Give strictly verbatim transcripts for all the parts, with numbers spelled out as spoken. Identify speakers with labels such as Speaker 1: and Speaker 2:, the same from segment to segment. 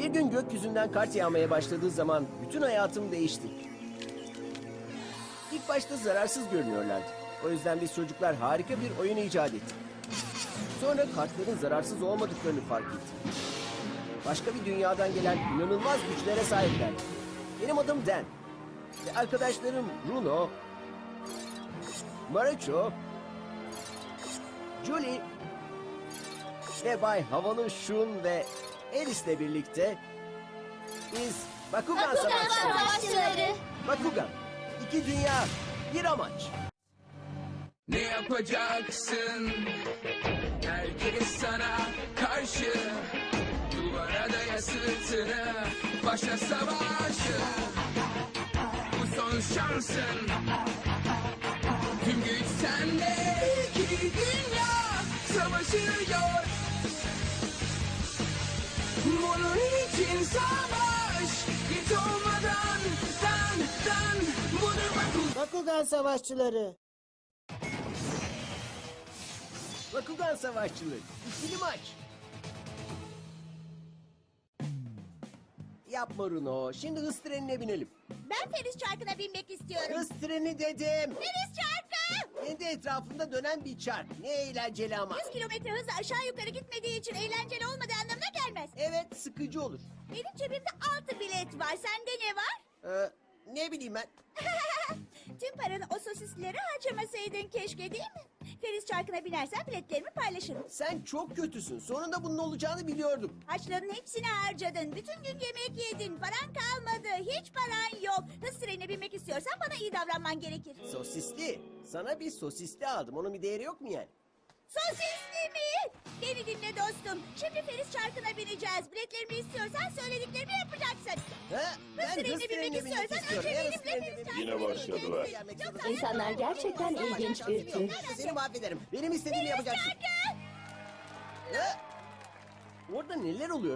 Speaker 1: Bir gün gökyüzünden kart yağmaya başladığı zaman bütün hayatım değişti. İlk başta zararsız görünüyorlardı. O yüzden biz çocuklar harika bir oyun icat ettik. Sonra kartların zararsız olmadıklarını fark ettik. Başka bir dünyadan gelen inanılmaz güçlere sahipler. Benim adım Dan. Ve arkadaşlarım Bruno, Marucho, Julie ve Bay Havalı Shun ve Alice'le birlikte biz Bakugan,
Speaker 2: Bakugan
Speaker 1: Savaşçıları.
Speaker 2: Savaşçıları.
Speaker 1: Bakugan, iki dünya, bir amaç.
Speaker 3: Ne yapacaksın? Herkes sana karşı. Duvara daya sırtını. Başla savaşı. Bu son şansın. Tüm güç sende. İki dünya savaşıyor. Bunun için savaş. Git olmadan. Dan dan. Budur Bakugan.
Speaker 4: Bakugan Savaşçıları.
Speaker 1: Bakugan Savaşçıları, ikili maç. Yapma Runo, şimdi hız trenine binelim.
Speaker 2: Ben Feriz Çarkı'na binmek istiyorum.
Speaker 1: Hız treni dedim.
Speaker 2: Feriz Çarkı!
Speaker 1: Kendi etrafında dönen bir çark. Ne eğlenceli ama.
Speaker 2: yüz kilometre hızla aşağı yukarı gitmediği için eğlenceli olmadığı anlamına gelmez.
Speaker 1: Evet, sıkıcı olur.
Speaker 2: Benim cebimde altı bilet var. Sende ne var?
Speaker 1: Ee, ne bileyim ben.
Speaker 2: Tüm paranı o sosisleri harcamasaydın keşke, değil mi? Feriz Çarkı'na binersen biletlerimi paylaşırım.
Speaker 1: Sen çok kötüsün. Sonunda bunun olacağını biliyordum.
Speaker 2: Harçların hepsini harcadın. Bütün gün yemek yedin. Paran kalmadı. Hiç paran yok. Hız trenine binmek istiyorsan bana iyi davranman gerekir.
Speaker 1: Sosisli. Sana bir sosisli aldım. Onun bir değeri yok mu yani?
Speaker 2: Sosisli mi? Beni dinle dostum. Şimdi Feriz Çarkı'na bineceğiz. Biletlerimi istiyorsan söylediklerimi yapacaksın.
Speaker 1: Ha? Ben
Speaker 2: trenine
Speaker 1: hız
Speaker 2: binmek
Speaker 1: trenine binmek
Speaker 2: istiyorsan
Speaker 1: istiyorum.
Speaker 2: önce
Speaker 1: Ben
Speaker 2: benimle
Speaker 1: hız trenine
Speaker 2: Feriz
Speaker 1: binmek
Speaker 2: Çarkı'na
Speaker 5: Yine başladılar.
Speaker 2: Yoksa
Speaker 6: İnsanlar gerçekten ilginç bir tür.
Speaker 1: Seni mahvederim. Benim istediğimi yapacaksın.
Speaker 2: Çarkı!
Speaker 1: Ha? Orada neler oluyor?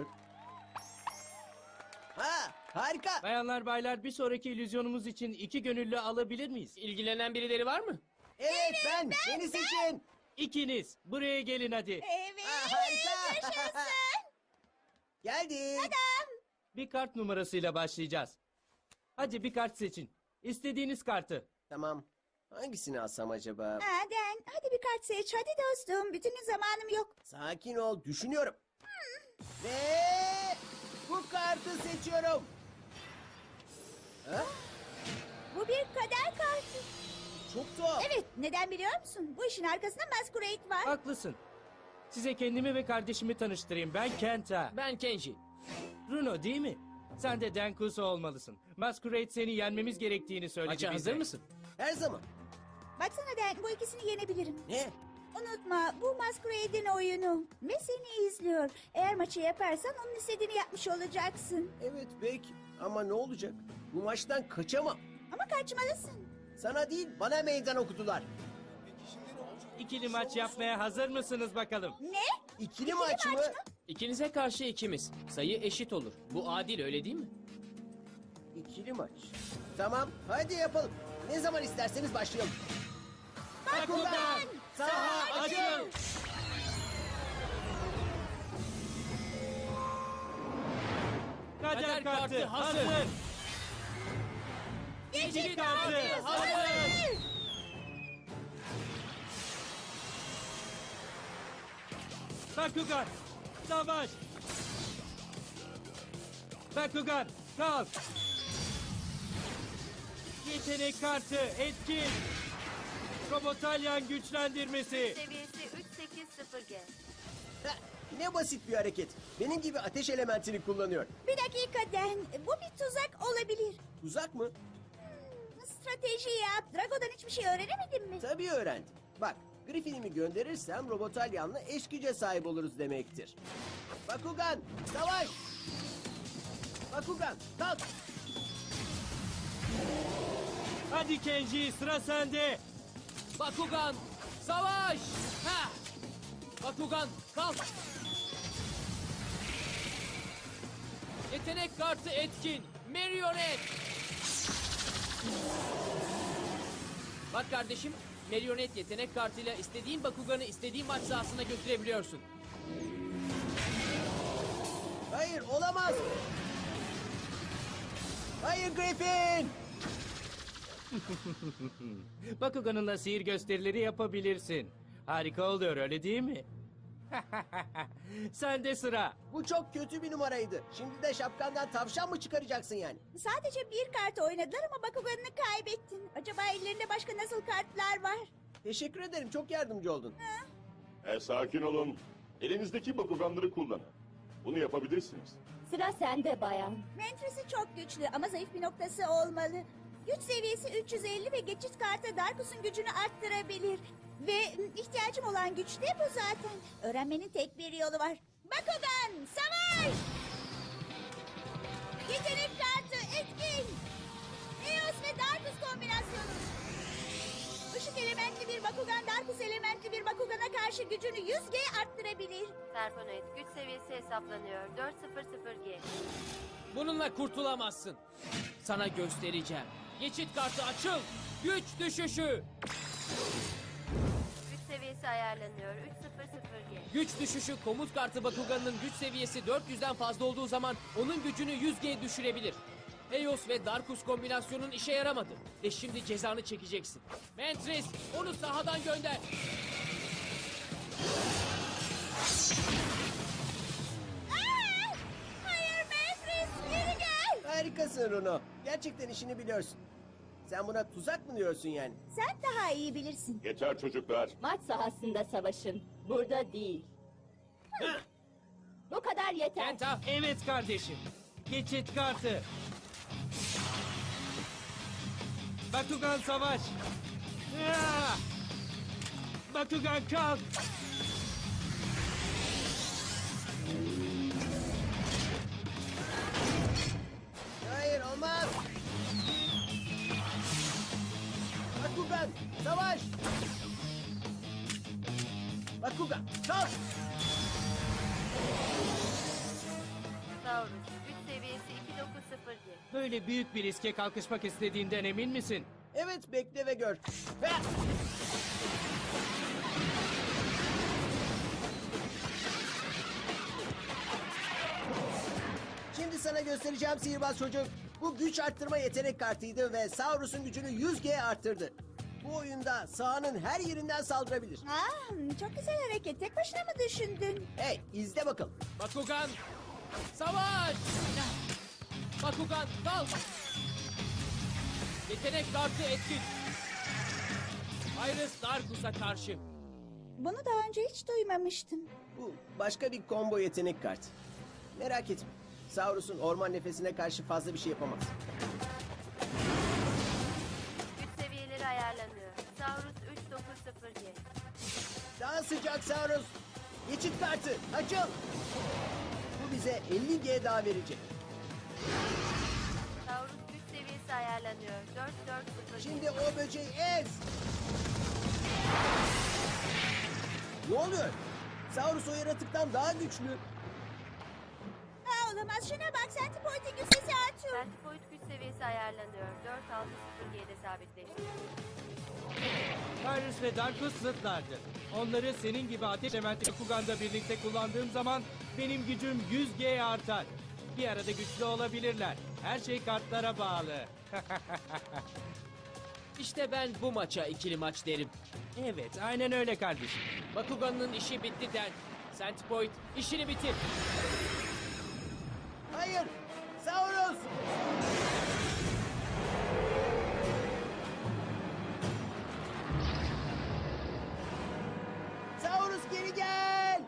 Speaker 1: Ha, harika.
Speaker 7: Bayanlar baylar bir sonraki illüzyonumuz için iki gönüllü alabilir miyiz?
Speaker 8: İlgilenen birileri var mı?
Speaker 1: Evet, ben. Beni seçin.
Speaker 7: İkiniz buraya gelin hadi.
Speaker 2: Evet.
Speaker 1: Ha, harika.
Speaker 2: Yaşasın.
Speaker 1: Geldik.
Speaker 7: Bir kart numarasıyla başlayacağız. Hadi bir kart seçin. İstediğiniz kartı.
Speaker 1: Tamam. Hangisini alsam acaba?
Speaker 2: Aden, hadi bir kart seç. Hadi dostum. Bütün gün zamanım yok.
Speaker 1: Sakin ol, düşünüyorum. Ve bu kartı seçiyorum. Ha?
Speaker 2: Bu bir kader kartı.
Speaker 1: Çok tuhaf.
Speaker 2: Evet, neden biliyor musun? Bu işin arkasında Masquerade var.
Speaker 7: Haklısın. Size kendimi ve kardeşimi tanıştırayım. Ben Kenta.
Speaker 8: Ben Kenji.
Speaker 7: Bruno değil mi? Sen de Denkuso olmalısın. Masquerade seni yenmemiz gerektiğini söyledi
Speaker 8: Maça
Speaker 7: bize.
Speaker 8: hazır mısın?
Speaker 1: Her zaman.
Speaker 2: Baksana Den, bu ikisini yenebilirim.
Speaker 1: Ne?
Speaker 2: Unutma, bu Masquerade'in oyunu. Ve seni izliyor. Eğer maçı yaparsan onun istediğini yapmış olacaksın.
Speaker 1: Evet pek. Ama ne olacak? Bu maçtan kaçamam.
Speaker 2: Ama kaçmalısın.
Speaker 1: Sana değil, bana meydan okudular.
Speaker 7: İkili maç yapmaya hazır mısınız bakalım?
Speaker 2: Ne?
Speaker 1: İkili maç mı?
Speaker 8: İkinize karşı ikimiz. Sayı eşit olur. Bu adil, öyle değil mi?
Speaker 1: İkili maç. Tamam, hadi yapalım. Ne zaman isterseniz başlayalım.
Speaker 7: Bakugan! Saha açıl! Kader
Speaker 8: Kader
Speaker 7: kartı
Speaker 8: kartı
Speaker 7: hazır!
Speaker 8: hazır.
Speaker 7: İkili kartı hazır! Bakugan! Savaş! Bakugan! Kalk! Yetenek kartı etkin! Robotalyan güçlendirmesi!
Speaker 9: Seviyesi üç sekiz sıfır G.
Speaker 1: Heh, ne basit bir hareket. Benim gibi ateş elementini kullanıyor.
Speaker 2: Bir dakika Den, bu bir tuzak olabilir.
Speaker 1: Tuzak mı?
Speaker 2: Strateji yap. Drago'dan hiçbir şey öğrenemedin mi?
Speaker 1: Tabii öğrendim. Bak, Griffin'imi gönderirsem Robotalyan'la eş güce sahip oluruz demektir. Bakugan, savaş! Bakugan, kalk!
Speaker 7: Hadi Kenji sıra sende!
Speaker 8: Bakugan, savaş! Ha! Bakugan, kalk! Yetenek kartı etkin. Marionet! Bak kardeşim, Marionet yetenek kartıyla istediğin Bakugan'ı istediğin maç sahasına götürebiliyorsun.
Speaker 1: Hayır, Hayır, olamaz. Hayır Griffin.
Speaker 7: Bakugan'ınla sihir gösterileri yapabilirsin. Harika oluyor öyle değil mi? Sende sıra.
Speaker 1: Bu çok kötü bir numaraydı. Şimdi de şapkandan tavşan mı çıkaracaksın yani?
Speaker 2: Sadece bir kart oynadılar ama Bakugan'ını kaybettin. Acaba ellerinde başka nasıl kartlar var?
Speaker 1: Teşekkür ederim, çok yardımcı oldun.
Speaker 4: E, sakin olun. Elinizdeki bakuganları kullanın. Bunu yapabilirsiniz.
Speaker 6: Sıra sende bayan.
Speaker 2: Mentresi çok güçlü ama zayıf bir noktası olmalı. Güç seviyesi üç yüz elli ve geçit kartı Darkus'un gücünü arttırabilir. Ve m, ihtiyacım olan güç de bu zaten. Öğrenmenin tek bir yolu var. Bakugan, savaş! Yetenek kartı etkin. Eos ve Darkus kombinasyonu. Işık elementli bir Bakugan, Darkus elementli bir Bakugan'a karşı gücünü yüz G arttırabilir.
Speaker 9: Serponoid güç seviyesi hesaplanıyor. dört yüz G.
Speaker 8: Bununla kurtulamazsın. Sana göstereceğim. Geçit kartı açıl. Güç düşüşü.
Speaker 9: Güç seviyesi ayarlanıyor. üç yüz G.
Speaker 8: Güç düşüşü komut kartı Bakugan'ın güç seviyesi dört yüzden fazla olduğu zaman onun gücünü yüz G düşürebilir. Eos ve Darkus kombinasyonun işe yaramadı. Ve şimdi cezanı çekeceksin. Mantris onu sahadan gönder.
Speaker 2: Aa! Hayır Mefris, geri gel.
Speaker 1: Harikasın Runo. Gerçekten işini biliyorsun. Sen buna tuzak mı diyorsun yani?
Speaker 2: Sen daha iyi bilirsin.
Speaker 4: Yeter çocuklar.
Speaker 6: Maç sahasında savaşın. Burada değil. Bu kadar yeter.
Speaker 8: Kenta
Speaker 7: Evet kardeşim. Geçit kartı. Bakugan savaş. Ya! Bakugan kalk.
Speaker 1: Hayır, olmaz. Bakugan, savaş. Bakugan, kalk.
Speaker 9: Taurus güç seviyesi iki yüz dokuz G.
Speaker 7: Böyle büyük bir riske kalkışmak istediğinden emin misin?
Speaker 1: Evet, bekle ve gör. Ha! Şimdi sana göstereceğim sihirbaz çocuk. Bu güç arttırma yetenek kartıydı ve Saurus'un gücünü yüz G arttırdı. Bu oyunda sahanın her yerinden saldırabilir.
Speaker 2: Aa, çok güzel hareket. Tek başına mı düşündün?
Speaker 1: Hey, izle bakalım.
Speaker 8: Bakugan savaş. Bakugan kalk. Yetenek kartı etkin. Iris Darkus'a karşı.
Speaker 2: Bunu daha önce hiç duymamıştım.
Speaker 1: Bu başka bir combo yetenek kartı. Merak etme. Saurus'un orman nefesine karşı fazla bir şey yapamaz.
Speaker 9: Güç seviyeleri ayarlanıyor. Taurus üç yüz dokuz G.
Speaker 1: Daha sıcak Saurus. Geçit kartı açıl. Bu bize elli G daha verecek.
Speaker 9: Taurus güç seviyesi ayarlanıyor. dört yüz dört G.
Speaker 1: Şimdi o böceği ez. Ne oluyor? Saurus o yaratıktan daha güçlü.
Speaker 2: Aa, olamaz. Şuna bak. Centipoint'in güç sesi artıyor.
Speaker 9: Centipoid güç seviyesi ayarlanıyor. dört yüz altı G'de sabitleşti.
Speaker 7: Tyrus ve Darkus zıtlardır. Onları senin gibi ateş elementi Bakugan'da birlikte kullandığım zaman benim gücüm yüz G artar. Bir arada güçlü olabilirler. Her şey kartlara bağlı.
Speaker 8: İşte ben bu maça ikili maç derim.
Speaker 7: Evet, aynen öyle kardeşim.
Speaker 8: Bakugan'ın işi bitti den. Centipoid işini bitir.
Speaker 1: Hayır. Saurus. Saurus geri gel.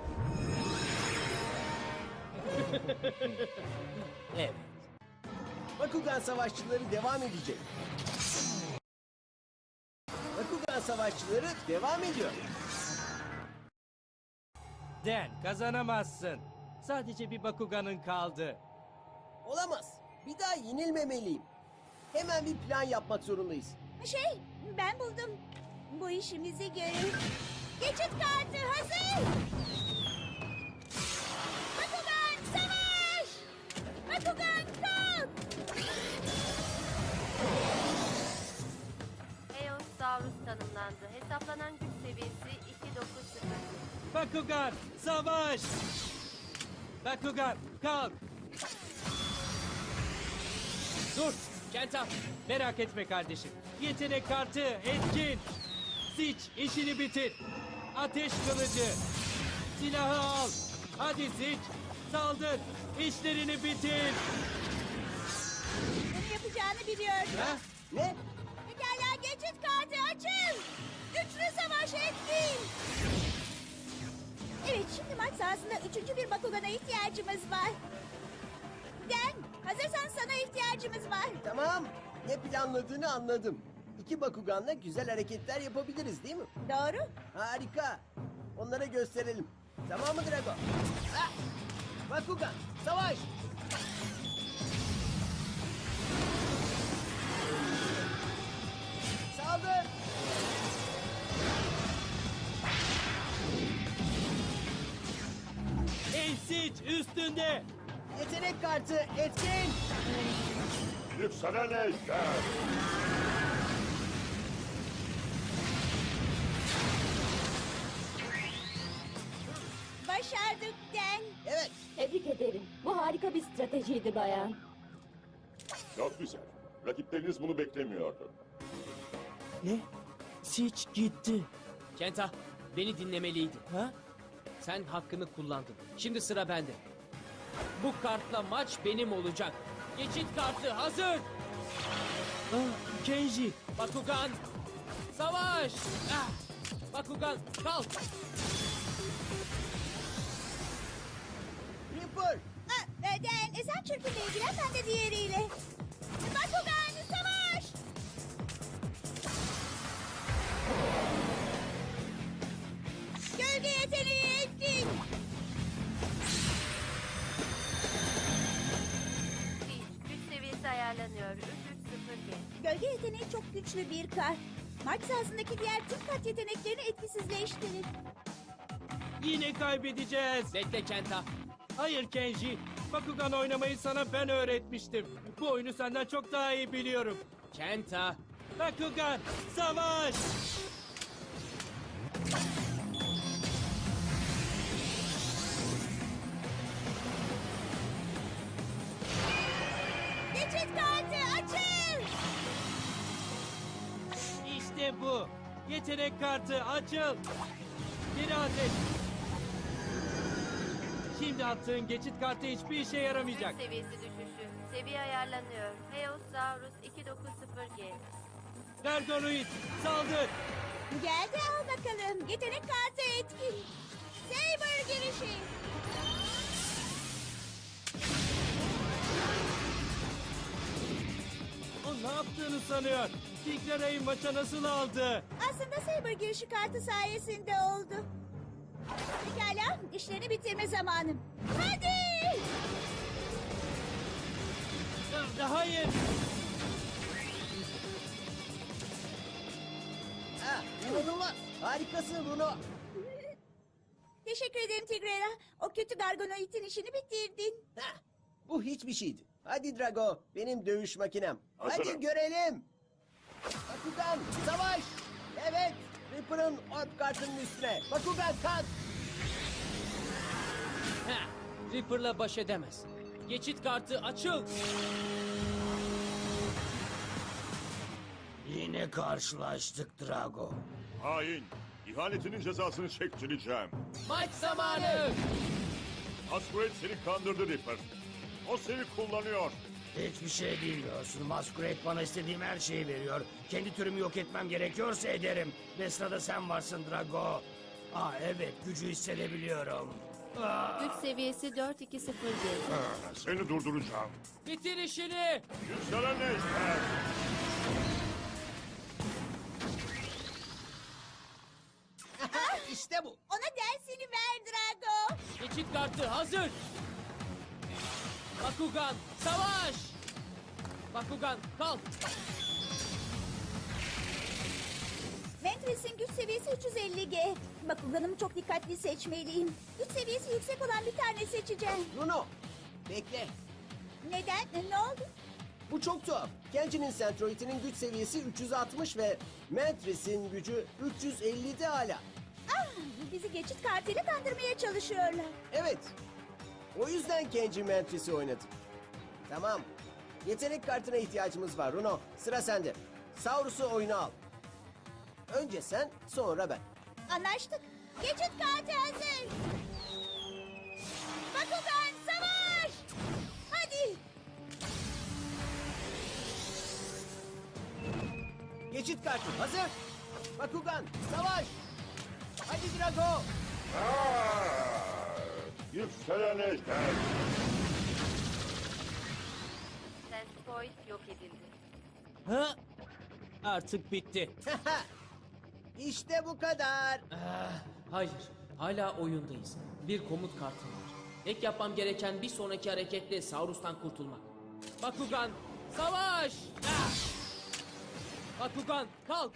Speaker 7: Evet.
Speaker 1: Bakugan savaşçıları devam edecek. Bakugan savaşçıları devam ediyor.
Speaker 7: Den, kazanamazsın. Sadece bir Bakugan'ın kaldı.
Speaker 1: Olamaz. Bir daha yenilmemeliyim. Hemen bir plan yapmak zorundayız.
Speaker 2: Şey, ben buldum. Bu işimizi görür. Geçit kartı hazır. Bakugan savaş! Bakugan kalk!
Speaker 9: Eos Taurus tanımlandı. Hesaplanan güç seviyesi iki yüz dokuz G.
Speaker 7: Bakugan, savaş! Bakugan, kalk.
Speaker 8: Dur, Kenta.
Speaker 7: Merak etme kardeşim. Yetenek kartı etkin. Siç işini bitir. Ateş kılıcı. Silahı al. Hadi Siç. Saldır. İşlerini bitir.
Speaker 2: Bunu yapacağını biliyordum.
Speaker 7: Ha?
Speaker 1: Ne?
Speaker 2: Pekala geçit kartı açın. Üçlü savaş etkin. Evet şimdi maç sahasında üçüncü bir Bakugan'a ihtiyacımız var. Den hazırsan sana ihtiyacımız var.
Speaker 1: Tamam. Ne planladığını anladım. İki Bakugan'la güzel hareketler yapabiliriz değil mi?
Speaker 2: Doğru.
Speaker 1: Harika. Onlara gösterelim. Tamam mı Drago? Ah! Bakugan, savaş! Saldır!
Speaker 7: Ey Siç üstünde.
Speaker 1: Yetenek kartı etkin!
Speaker 4: Yükselen ejder.
Speaker 2: Başardık Den.
Speaker 1: Evet,
Speaker 6: Tebrik ederim. Bu harika bir stratejiydi bayan.
Speaker 4: Çok güzel. Rakipleriniz bunu beklemiyordu.
Speaker 7: Ne? Siç gitti.
Speaker 8: Kenta, beni dinlemeliydin.
Speaker 7: Ha?
Speaker 8: Sen hakkını kullandın. Şimdi sıra bende. Bu kartla maç benim olacak. Geçit kartı hazır.
Speaker 7: Ah, Kenji.
Speaker 8: Bakugan, savaş. Ah! Bakugan, kalk.
Speaker 1: Reaper!
Speaker 2: Ha, e, Den e, sen çırpıyla ilgilen ben de diğeriyle. Bakugan savaş. Gölge yeteneği etkin.
Speaker 9: Siege, güç seviyesi ayarlanıyor. üç üç sıfır G.
Speaker 2: Gölge yeteneği çok güçlü bir kart. Maç sahasındaki diğer tüm kart yeteneklerini etkisizleştirir.
Speaker 7: Yine kaybedeceğiz.
Speaker 8: Bekle Kenta.
Speaker 7: Hayır Kenji. Bakugan oynamayı sana ben öğretmiştim. Bu oyunu senden çok daha iyi biliyorum.
Speaker 8: Kenta.
Speaker 7: Bakugan, savaş!
Speaker 2: Geçit kartı açıl.
Speaker 7: İşte bu. Yetenek kartı açıl. Geri ateş. Şimdi attığın geçit kartı hiçbir işe yaramayacak.
Speaker 9: Güç seviyesi düşüşü. Seviye ayarlanıyor. Heosaurus iki dokuz sıfır G.
Speaker 7: Gargonoid, saldır.
Speaker 2: Geldi al bakalım. Yetenek kartı etkin. Saber girişi.
Speaker 7: O ne yaptığını sanıyor. Tigrera'yı maça nasıl aldı?
Speaker 2: Aslında Saber girişi kartı sayesinde oldu. Pekala işlerini bitirme zamanım. Hadi.
Speaker 7: Ah, Hayır.
Speaker 1: Ha, inanılmaz! Harikasın Bruno!
Speaker 2: Teşekkür ederim Tigrera. O kötü Gargonoid'in işini bitirdin.
Speaker 1: Ha, bu hiçbir şeydi. Hadi Drago, benim dövüş makinem.
Speaker 4: Hazırım.
Speaker 1: Hadi görelim! Bakugan, savaş! Evet, Reaper'ın orb kartının üstüne. Bakugan kalk!
Speaker 8: Heh, Reaper'la baş edemez. Geçit kartı açıl.
Speaker 5: Yine karşılaştık Drago.
Speaker 4: Hain. İhanetinin cezasını çektireceğim.
Speaker 8: Maç zamanı.
Speaker 4: Masquerade seni kandırdı Reaper. O seni kullanıyor.
Speaker 5: Hiçbir şey bilmiyorsun. Masquerade bana istediğim her şeyi veriyor. Kendi türümü yok etmem gerekiyorsa ederim. Ve sırada sen varsın Drago. Aa evet, gücü hissedebiliyorum. Aa,
Speaker 9: Güç seviyesi dört iki sıfır G.
Speaker 4: Seni durduracağım.
Speaker 8: Bitir işini.
Speaker 4: Yükselen ejder.
Speaker 1: İşte bu.
Speaker 2: Ona dersini ver Drago.
Speaker 8: Geçit kartı hazır. Bakugan, savaş. Bakugan, kalk.
Speaker 2: Ventress'in güç seviyesi üç yüz elli G. Bakuganımı çok dikkatli seçmeliyim. Güç seviyesi yüksek olan bir tane seçeceğim.
Speaker 1: Bruno, bekle.
Speaker 2: Neden? Ne oldu?
Speaker 1: Bu çok tuhaf. Kenji'nin Centroid'inin güç seviyesi üç yüz altmış ve Mantris'in gücü üç yüz ellide hala.
Speaker 2: Ah, bizi geçit kartıyla kandırmaya çalışıyorlar.
Speaker 1: Evet. O yüzden Kenji Mantris'i oynadım. Tamam. Yetenek kartına ihtiyacımız var Runo. Sıra sende. Saurus'u oyuna al. Önce sen, sonra ben.
Speaker 2: Anlaştık. Geçit kartı hazır. Bakugan savaş. Hadi.
Speaker 1: Geçit kartı hazır. Bakugan, savaş. Hadi Drago.
Speaker 4: Yükselen ejder.
Speaker 9: Sensipoid yok edildi.
Speaker 8: Ha? Artık bitti.
Speaker 1: İşte bu kadar.
Speaker 8: Ah, hayır, hala oyundayız. Bir komut kartım var. Tek yapmam gereken bir sonraki hareketle Saurus'tan kurtulmak. Bakugan, savaş! Ah! Bakugan, kalk!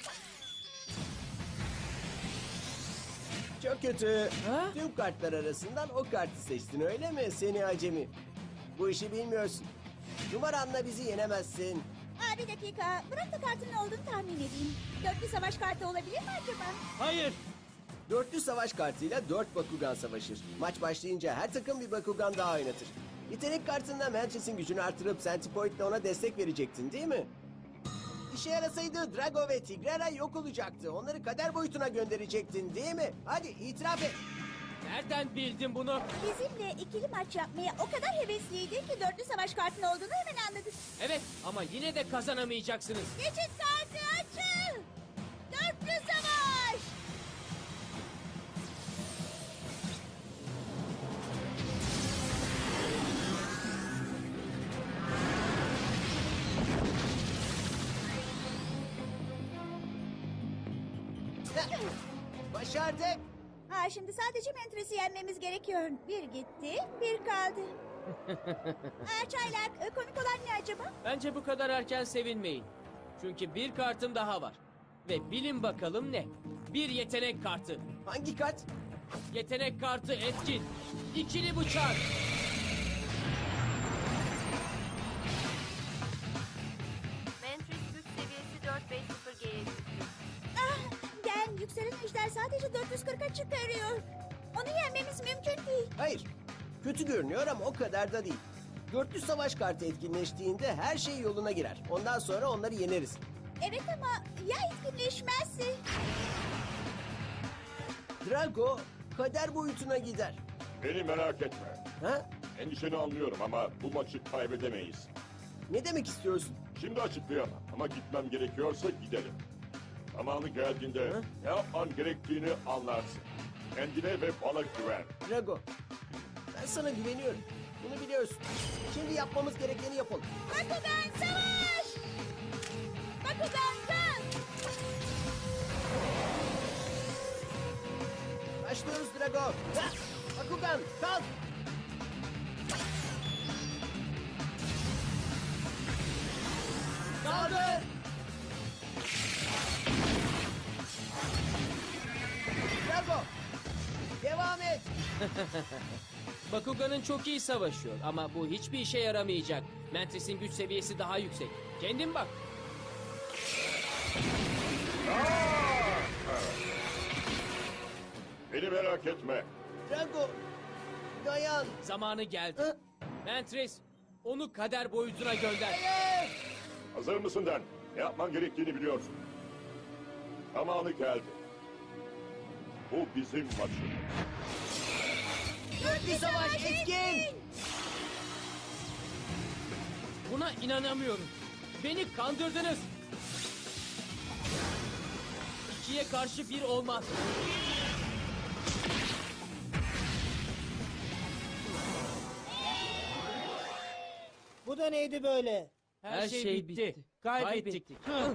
Speaker 1: Çok kötü.
Speaker 8: Ha?
Speaker 1: Tüm kartlar arasından o kartı seçtin öyle mi seni acemi? Bu işi bilmiyorsun. Numaranla bizi yenemezsin.
Speaker 2: Aa, bir dakika. Bırak da kartın ne olduğunu tahmin edeyim. Dörtlü savaş kartı olabilir mi acaba?
Speaker 7: Hayır.
Speaker 1: Dörtlü savaş kartıyla dört Bakugan savaşır. Maç başlayınca her takım bir Bakugan daha oynatır. Yetenek kartında Mantris'in gücünü artırıp Centipoid'le ona destek verecektin değil mi? İşe yarasaydı Drago ve Tigrera yok olacaktı. Onları kader boyutuna gönderecektin değil mi? Hadi itiraf et.
Speaker 8: Nereden bildin bunu?
Speaker 2: Bizimle ikili maç yapmaya o kadar hevesliydin ki dörtlü savaş kartının olduğunu hemen anladık.
Speaker 8: Evet, ama yine de kazanamayacaksınız.
Speaker 2: Geçit kartı açıl. Dörtlü savaş.
Speaker 1: Başardık.
Speaker 2: Ha, şimdi sadece Mantris'i yenmemiz gerekiyor. Bir gitti, bir kaldı. Aa, çaylak, e, komik olan ne acaba?
Speaker 8: Bence bu kadar erken sevinmeyin. Çünkü bir kartım daha var. Ve bilin bakalım ne? Bir yetenek kartı.
Speaker 1: Hangi kart?
Speaker 8: Yetenek kartı etkin. İkili bıçak.
Speaker 9: Mantris güç seviyesi dört beş sıfır G'ye çıktı.
Speaker 2: Ah, Gen, yükselen ejder sadece dört yüz kırka çıkarıyor. Onu yenmemiz mümkün değil.
Speaker 1: Hayır. Kötü görünüyor ama o kadar da değil. Dörtlü savaş kartı etkinleştiğinde her şey yoluna girer. Ondan sonra onları yeneriz.
Speaker 2: Evet ama ya etkinleşmezse?
Speaker 1: Drago kader boyutuna gider.
Speaker 4: Beni merak etme.
Speaker 1: Ha?
Speaker 4: Endişeni anlıyorum ama bu maçı kaybedemeyiz.
Speaker 1: Ne demek istiyorsun?
Speaker 4: Şimdi açıklayamam ama gitmem gerekiyorsa gidelim. Zamanı geldiğinde
Speaker 1: Hı?
Speaker 4: ne yapman gerektiğini anlarsın. Kendine ve bana güven.
Speaker 1: Drago, ben sana güveniyorum. Bunu biliyorsun. Şimdi yapmamız gerekeni yapalım.
Speaker 2: Bakugan savaş! Bakugan kalk!
Speaker 1: Başlıyoruz Drago. Ha! Bakugan kalk. Kaldır. Drago, devam et.
Speaker 8: Bakugan'ın çok iyi savaşıyor ama bu hiçbir işe yaramayacak. Mantris'in güç seviyesi daha yüksek. Kendin bak.
Speaker 4: Beni merak etme.
Speaker 1: Drago, dayan.
Speaker 8: Zamanı geldi.
Speaker 1: Hı?
Speaker 8: Mantris, onu kader boyutuna gönder.
Speaker 1: Hayır.
Speaker 4: Hazır mısın Den? Ne yapman gerektiğini biliyorsun. Zamanı geldi. Bu bizim maçımız.
Speaker 1: Dörtlü savaş etkin.
Speaker 8: Buna inanamıyorum. Beni kandırdınız. İkiye karşı bir olmaz.
Speaker 10: Bu da neydi böyle?
Speaker 8: Her, şey, bitti.
Speaker 7: Kaybettik.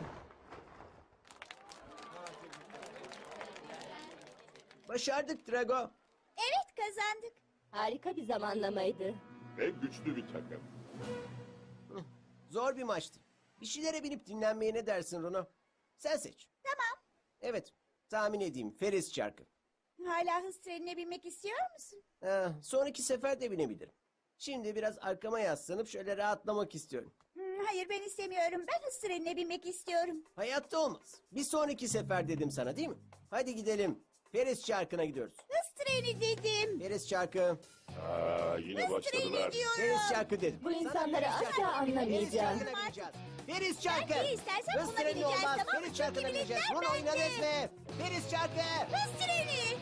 Speaker 1: Başardık Drago.
Speaker 2: Evet kazandık.
Speaker 6: Harika bir zamanlamaydı.
Speaker 4: Ve güçlü bir takım.
Speaker 1: Zor bir maçtı. Bir şeylere binip dinlenmeye ne dersin Runo? Sen seç.
Speaker 2: Tamam.
Speaker 1: Evet, tahmin edeyim. Feris çarkı.
Speaker 2: Hala hız trenine binmek istiyor musun?
Speaker 1: Ha, sonraki sefer de binebilirim. Şimdi biraz arkama yaslanıp şöyle rahatlamak istiyorum.
Speaker 2: Hmm, hayır ben istemiyorum. Ben hız trenine binmek istiyorum.
Speaker 1: Hayatta olmaz. Bir sonraki sefer dedim sana değil mi? Hadi gidelim. Feris çarkına gidiyoruz.
Speaker 2: Hız treni dedim.
Speaker 1: Feriz çarkı.
Speaker 4: Aa, yine
Speaker 2: Hız
Speaker 4: başladılar.
Speaker 2: treni diyorum.
Speaker 1: Feriz çarkı dedim.
Speaker 6: Bu
Speaker 1: Sana
Speaker 6: insanları
Speaker 1: Feriz
Speaker 6: asla
Speaker 1: çarkı. Feriz
Speaker 6: anlamayacağım.
Speaker 1: çarkına bineceğiz. Feriz çarkı.
Speaker 2: Ben iyi istersen
Speaker 1: Hız
Speaker 2: buna
Speaker 1: treni
Speaker 2: bineceğiz,
Speaker 1: olmaz.
Speaker 2: tamam mı?
Speaker 1: Feriz çarkına
Speaker 2: Çünkü
Speaker 1: bineceğiz.
Speaker 2: biletler
Speaker 1: Bunu oynadınız
Speaker 2: bende.
Speaker 1: mı? Feriz çarkı.
Speaker 2: Hız treni.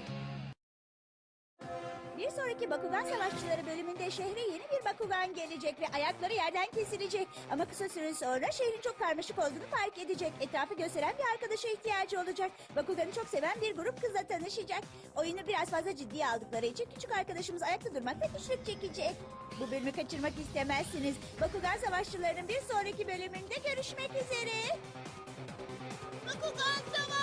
Speaker 2: Bir sonraki Bakugan Savaşçıları bölümünde şehre yeni bir Bakugan gelecek ve ayakları yerden kesilecek. Ama kısa süre sonra şehrin çok karmaşık olduğunu fark edecek. Etrafı gösteren bir arkadaşa ihtiyacı olacak. Bakugan'ı çok seven bir grup kızla tanışacak. Oyunu biraz fazla ciddiye aldıkları için küçük arkadaşımız ayakta durmakta güçlük çekecek. Bu bölümü kaçırmak istemezsiniz. Bakugan Savaşçıları'nın bir sonraki bölümünde görüşmek üzere. Bakugan Savaşçıları!